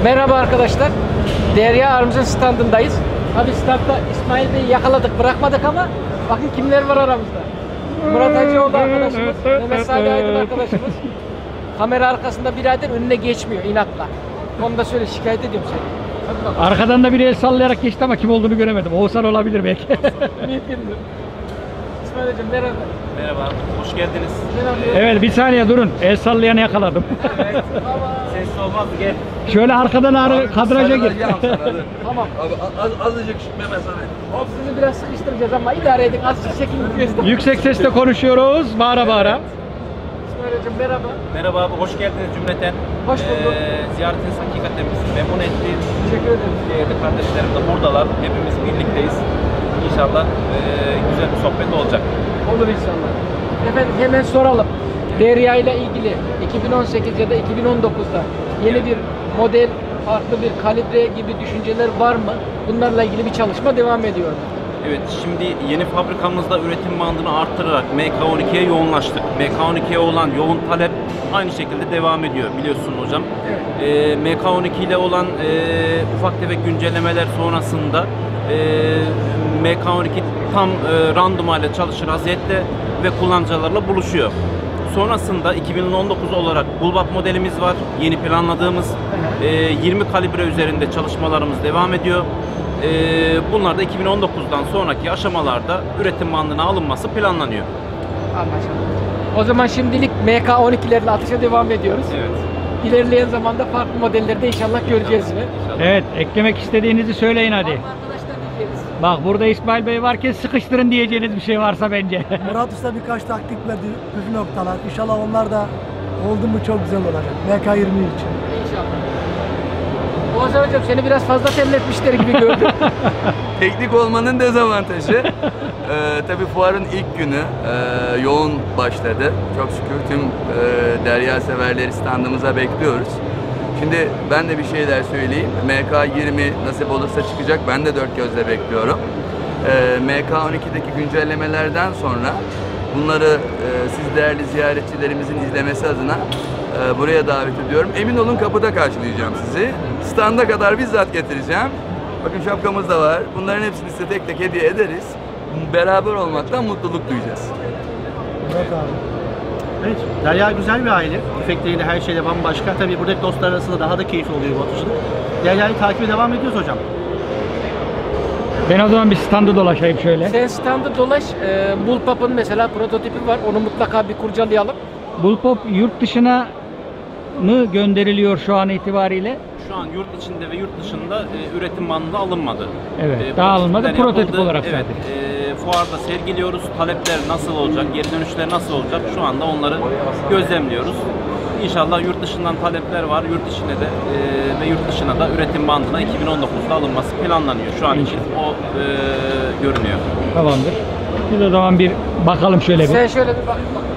Merhaba arkadaşlar. Derya Arms'ın standındayız. Hadi standta İsmail Bey'i yakaladık, bırakmadık ama bakın kimler var aramızda. Murat Hacıoğlu arkadaşımız, Mehmet Salih Aydın arkadaşımız. Kamera arkasında birader önüne geçmiyor inatla. Onu da söyle, şikayet ediyorum seni. Hadi bakalım. Arkadan da biri el sallayarak geçti ama kim olduğunu göremedim. Oğuzhan olabilir belki. Mümkündür. İsmail Hocam merhaba. Merhaba, hoş geldiniz. Evet, bir saniye durun. El sallayanı yakaladım. Evet, sessiz olmaz, gel. Şöyle arkadan kadraja gir. Tamam. Abi azıcık Mehmet abi. Sizi biraz sıkıştıracağız ama idare edin. Az çekin göster. Yüksek sesle konuşuyoruz. Bağıra bağıra. İsmail Hocam merhaba. Merhaba abi, hoş geldiniz cümleten. Hoş bulduk. Ziyaretiniz hakikaten bizi memnun etti. Teşekkür ederim. Değerli kardeşlerim de buradalar. Hepimiz birlikteyiz. İnşallah güzel bir sohbet olacak. Olur inşallah. Efendim hemen soralım. Derya ile ilgili 2018 ya da 2019'da yeni bir model, farklı bir kalibre gibi düşünceler var mı? Bunlarla ilgili bir çalışma devam ediyor mu? Evet, şimdi yeni fabrikamızda üretim bandını arttırarak MK12'ye yoğunlaştık. MK12'ye olan yoğun talep aynı şekilde devam ediyor biliyorsun hocam. Evet. MK12 ile olan ufak tefek güncellemeler sonrasında MK12 tam random hale çalışır vaziyette ve kullanıcılarla buluşuyor. Sonrasında 2019 olarak Bulbap modelimiz var. Yeni planladığımız 20 kalibre üzerinde çalışmalarımız devam ediyor. Bunlar da 2019'dan sonraki aşamalarda üretim bandına alınması planlanıyor. Anlaşıldı. O zaman şimdilik MK12'lerle atışa devam ediyoruz. Evet. İlerleyen zamanda farklı modelleri de inşallah göreceğiz yine. Evet, eklemek istediğinizi söyleyin hadi. Arkadaşlar diyeceğiz. Bak burada İsmail Bey varken sıkıştırın diyeceğiniz bir şey varsa bence. Murat Usta birkaç taktik verdi, püf noktalar. İnşallah onlar da oldu mu çok güzel olacak. MK20 için. İnşallah. Oğuzhan Hocam seni biraz fazla terletmişler gibi gördüm. Teknik olmanın dezavantajı. Tabii fuarın ilk günü yoğun başladı. Çok şükür tüm derya severleri standımıza bekliyoruz. Şimdi ben de bir şeyler söyleyeyim. MK20 nasip olursa çıkacak. Ben de dört gözle bekliyorum. MK12'deki güncellemelerden sonra bunları siz değerli ziyaretçilerimizin izlemesi adına buraya davet ediyorum. Emin olun kapıda karşılayacağım sizi. Standa kadar bizzat getireceğim. Bakın şapkamız da var. Bunların hepsini size tek tek hediye ederiz. Beraber olmaktan mutluluk duyacağız. Murat abi. Evet, Derya güzel bir aile. Efektleriyle her şeyle bambaşka. Tabii buradaki dostlar arasında daha da keyifli oluyor bu atışlık. Derya'yı takibe devam ediyoruz hocam. Ben o zaman bir standı dolaşayım şöyle. Sen standı dolaş. Bullpup'ın mesela prototipi var. Onu mutlaka bir kurcalayalım. Bullpop yurt dışına mı gönderiliyor şu an itibariyle? Şu an yurt içinde ve yurt dışında üretim bandında alınmadı. Evet, daha alınmadı. prototipler Prototip yapıldı. olarak evet, sadece. Fuarda sergiliyoruz. Talepler nasıl olacak, geri dönüşler nasıl olacak? Şu anda onları gözlemliyoruz. İnşallah yurt dışından talepler var. Yurt içinde de ve yurt dışına da üretim bandına 2019'da alınması planlanıyor. Şu an için o görünüyor. Tamamdır. Biz o zaman bir bakalım şöyle bir. Sen şöyle bir bak.